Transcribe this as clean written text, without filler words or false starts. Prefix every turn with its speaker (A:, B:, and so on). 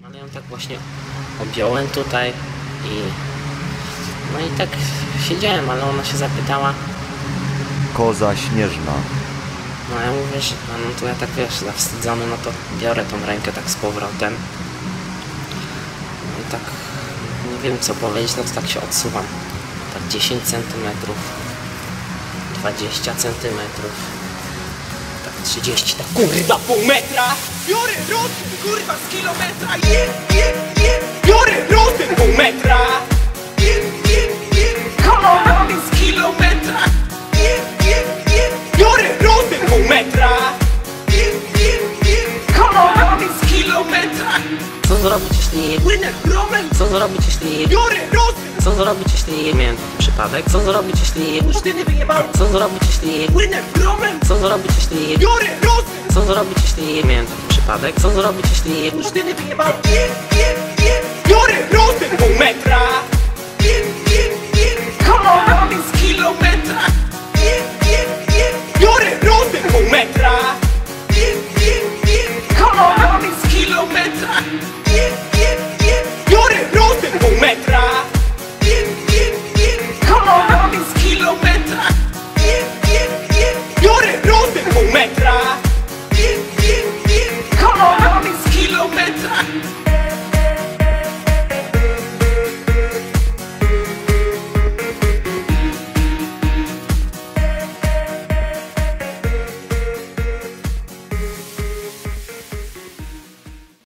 A: Ale ją tak właśnie objąłem tutaj i no i tak siedziałem, ale ona się zapytała.
B: Koza śnieżna.
A: No ja mówię, że no to ja tak wiesz, zawstydzony, no to biorę tą rękę tak z powrotem. No i tak nie wiem co powiedzieć, no to tak się odsuwam. Tak 10 cm, 20 cm, tak 30, tak kurwa pół metra!
C: Biorę rozum, kurwa, z kilometra. Biorę rozum, pół metra. Kolorowy z kilometra. Biorę rozum, pół metra. Kolorowy z kilometra.
A: Co zrobić jeśli nie...
C: Płynę promem.
A: Co zrobić jeśli nie...
C: Biorę rozum.
A: Co zrobić jeśli nie miałem taki przypadek? Co zrobić jeśli nie...
C: Pusztyny wyjebałem.
A: Co zrobić jeśli nie...
C: Płynę promem.
A: Co zrobić jeśli nie...
C: Biorę rozum.
A: Co zrobić jeśli nie miałem taki przypadek? Co zrobić jeśli nie...
C: Pusztyny wyjebałem. Biorę rozum.